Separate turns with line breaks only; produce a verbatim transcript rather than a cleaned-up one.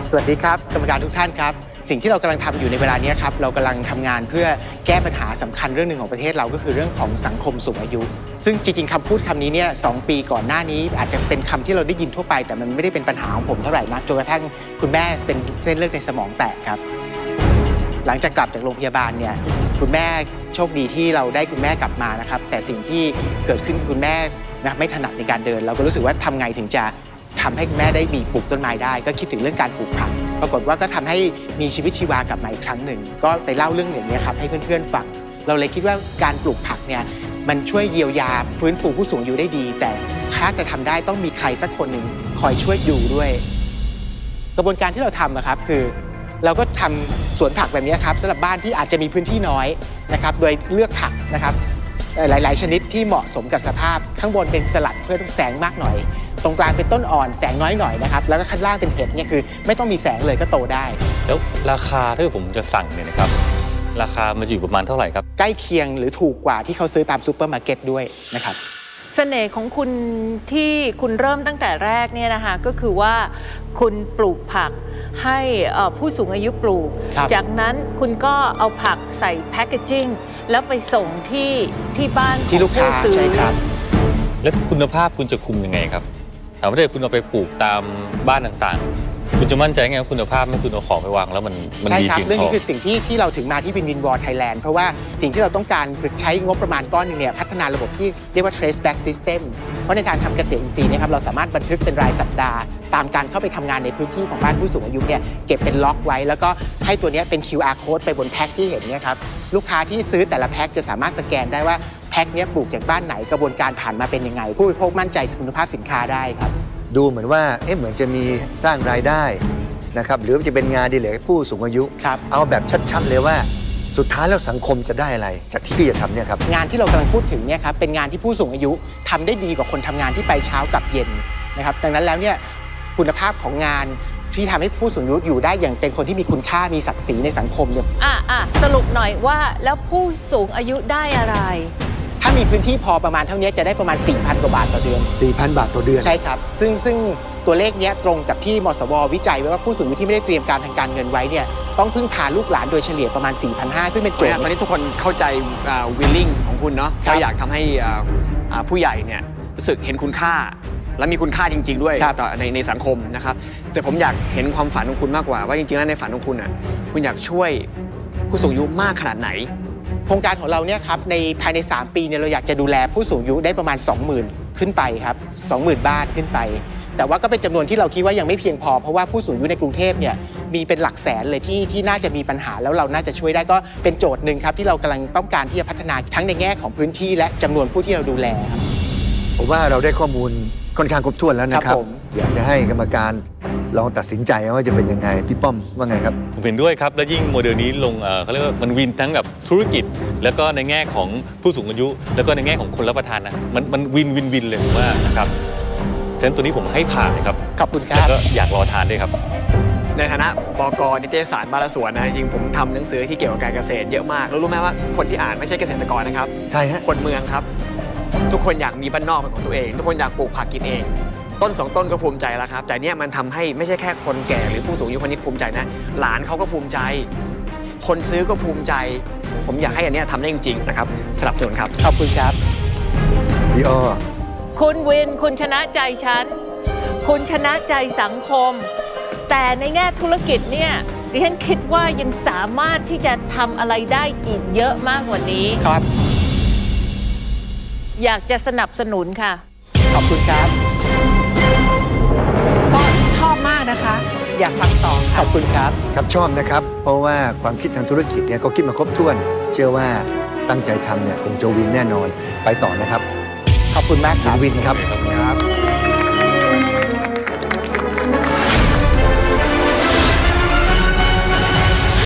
สวัสดีครับกรรมการทุกท่านครับสิ่งที่เรากำลังทำอยู่ในเวลานี้ครับเรากำลังทำงานเพื่อแก้ปัญหาสำคัญเรื่องหนึ่งของประเทศเราก็คือเรื่องของสังคมสูงอายุซึ่งจริงๆคำพูดคำนี้เนี่ยสองปีก่อนหน้านี้อาจจะเป็นคำที่เราได้ยินทั่วไปแต่มันไม่ได้เป็นปัญหาของผมเท่าไหร่นักจนกระทั่งคุณแม่เป็นเส้นเลือดในสมองแตกครับหลังจากกลับจากโรงพยาบาลเนี่ยคุณแม่โชคดีที่เราได้คุณแม่กลับมานะครับแต่สิ่งที่เกิดขึ้นคือคุณแม่นะไม่ถนัดในการเดินเราก็รู้สึกว่าทำไงถึงจะทำให้คุณแม่ได้มีปลูกต้นไม้ได้ก็คิดถึงเรื่องการปลูกผักปรากฏว่าก็ทำให้มีชีวิตชีวากลับมาอีกครั้งหนึ่งก็ไปเล่าเรื่องอย่างนี้ครับให้เพื่อนๆฟังเราเลยคิดว่าการปลูกผักเนี่ยมันช่วยเยียวยาฟื้นฟูผู้สูงอายุได้ดีแต่ถ้าจะทำได้ต้องมีใครสักคนหนึ่งคอยช่วยดูด้วยกระบวนการที่เราทำนะครับคือเราก็ทำสวนผักแบบนี้ครับสำหรับบ้านที่อาจจะมีพื้นที่น้อยนะครับโดยเลือกผักนะครับหลายๆชนิดที่เหมาะสมกับสภาพข้างบนเป็นสลัดเพื่อแสงมากหน่อยตรงกลางเป็นต้นอ่อนแสงน้อยหน่อยนะครับแล้วก็ข้างล่างเป็นเห็ดเนี่ยคือไม่ต้องมีแสงเลยก็โตได้
แล้วราคาถ้าผมจะสั่งเนี่ยนะครับราคามันจะอยู่ประมาณเท่าไหร่ครับ
ใกล้เคียงหรือถูกกว่าที่เขาซื้อตามซูเปอร์มาร์เก็ตด้วยนะครับ
เสน่ห์ของคุณที่คุณเริ่มตั้งแต่แรกเนี่ยนะคะก็คือว่าคุณปลูกผักให้ผู้สูงอายุปลูกจากนั้นคุณก็เอาผักใส่แพคเกจจิ้งแล้วไปส่งที่ที่บ้าน
ที่ลูกค้าใช่ครับ
แล้วคุณภาพคุณจะคุมยังไงครับถามว่าถ้าคุณเอาไปปลูกตามบ้านต่างๆคุณจะมั่นใจไงว่าคุณภาพไม่คุณเอาของไปวางแล้วมันมันดีจริง
เรื่องนี้คือสิ่งที่ที่เราถึงมาที่วินวินวอร์ไทยแลนด์เพราะว่าสิ่งที่เราต้องการคือใช้งบประมาณก้อนนึงเนี่ยพัฒนาระบบที่เรียกว่า trace back system เพราะในการทำเกษตรอินทรีย์นะครับเราสามารถบันทึกเป็นรายสัปดาห์ตามการเข้าไปทำงานในพื้นที่ของบ้านผู้สูงอายุเนี่ยเก็บเป็นล็อกไว้แล้วก็ให้ตัวนี้เป็น คิว อาร์ code ไปบนแพ็คที่เห็นเนี่ยครับลูกค้าที่ซื้อแต่ละแพ็คจะสามารถสแกนได้ว่าแพ็คนี้ปลูกจากบ้านไหนกระบวนการผ่านมาเป็นยังไงผู้บริโภคมั่นใจคุณภาพสินค้าได้ครับ
ดูเหมือนว่าเอ๊ะเหมือนจะมีสร้างรายได้นะครับหรือจะเป็นงานดีเลยผู้สูงอายุเอาแบบชัดๆเลยว่าสุดท้ายแล้วสังคมจะได้อะไรจากที่พี่จะทำเนี่ยครับ
งานที่เรากำลังพูดถึงเนี่ยครับเป็นงานที่ผู้สูงอายุทำได้ดีกว่าคนทำงานที่ไปเช้ากับเย็นนะครับดังนั้นแล้วเนี่ยคุณภาพของงานที่ทำให้ผู้สูงอายุอยู่ได้อย่างเป็นคนที่มีคุณค่ามีศักดิ์ศรีในสังคมเนี่ย
อ่ะอ่ะสรุปหน่อยว่าแล้วผู้สูงอายุได้อะไร
ถ้ามีพื้นที่พอประมาณเท่านี้จะได้ประมาณ สี่พัน กว่าบาทต่อเดือน
สี่พัน บาทต่อเดือน
ใช่ครับซึ่งซึ่งตัวเลขนี้ตรงกับที่มสววิจัยไว้ว่าผู้สูงอายุที่ไม่ได้เตรียมการทางการเงินไว้เนี่ยต้องพึ่งพาลูกหลานโดยเฉลี่ยประมาณ สี่พันห้าร้อย ซึ่งเป็นโจทย์
ตอนนี้ทุกคนเข้าใจวิลลิ่งของคุณเนาะเราอยากทำให้ผู้ใหญ่เนี่ยรู้สึกเห็นคุณค่าและมีคุณค่าจริงๆด้วยต่อในในสังคมนะครับแต่ผมอยากเห็นความฝันของคุณมากกว่าว่าจริงๆแล้วในฝันของคุณอ่ะคุณอยากช่วยผู้สูงอายุมากขนาดไหน
โครงการของเราเนี่ยครับในภายในสามปีเนี่ยเราอยากจะดูแลผู้สูงอายุได้ประมาณ สองหมื่น ขึ้นไปครับ สองหมื่น บ้านขึ้นไปแต่ว่าก็เป็นจำนวนที่เราคิดว่ายังไม่เพียงพอเพราะว่าผู้สูงอายุในกรุงเทพเนี่ยมีเป็นหลักแสนเลยที่ที่น่าจะมีปัญหาแล้วเราน่าจะช่วยได้ก็เป็นโจทย์หนึ่งครับที่เรากำลังต้องการที่จะพัฒนาทั้งในแง่ของพื้นที่และจำนวนผู้ที่เราดูแลครับ
ผมว่าเราได้ข้อมูลค่อนข้างครบถ้วนแล้วนะครับอยากจะให้กรรมการลองตัดสินใจว่าจะเป็นยังไงพี่ป้อมว่าไงครับ
ผมเห็นด้วยครับและยิ่งโมเดลนี้ลงเขาเรียกว่ามันวินทั้งแบบธุรกิจแล้วก็ในแง่ของผู้สูงอายุแล้วก็ในแง่ของคนรับประทานนะมันมันวินวินวินเลยผมว่านะครับฉะนั้นตัวนี้ผมให้ผ่านเลยครับ
ขอบคุณครับ
ก็อยากรอทานด้วยครับ
ในฐานะบก.นิตยสารบ้านและสวนนะจริงผมทำหนังสือที่เกี่ยวกับการเกษตรเยอะมากแล้วรู้ไหมว่าคนที่อ่านไม่ใช่เกษตรกรนะครับ
ใช่ฮะ
คนเมืองครับทุกคนอยากมีบ้านนอกเป็นของตัวเองทุกคนอยากปลูกผักกินเองต้นสองต้นก็ภูมิใจแล้วครับแต่เนี้ยมันทำให้ไม่ใช่แค่คนแก่หรือผู้สูงอายุคนนี้ภูมิใจนะหลานเขาก็ภูมิใจคนซื้อก็ภูมิใจผมอยากให้อันนี้ทำได้จริงๆนะครับสนับสนุนครับ
ขอบคุณครับ
พี่อ้อ
คุณวินคุณชนะใจฉันคุณชนะใจสังคมแต่ในแง่ธุรกิจเนี่ยดิฉันคิดว่ายังสามารถที่จะทำอะไรได้อีกเยอะมากกว่านี้
ครับ
อยากจะสนับสนุนค่ะ
ขอบคุณครับ
ก็ชอบมากนะคะอยากฟังต่อ
ขอบคุณครับ
ครับชอบนะครับเพราะว่าความคิดทางธุรกิจเนี่ยก็คิดมาครบถ้วนเชื่อว่าตั้งใจทำเนี่ยคงจะวินแน่นอนไปต่อนะครับ
ขอบคุณมากครับ
วินครับ
ครับ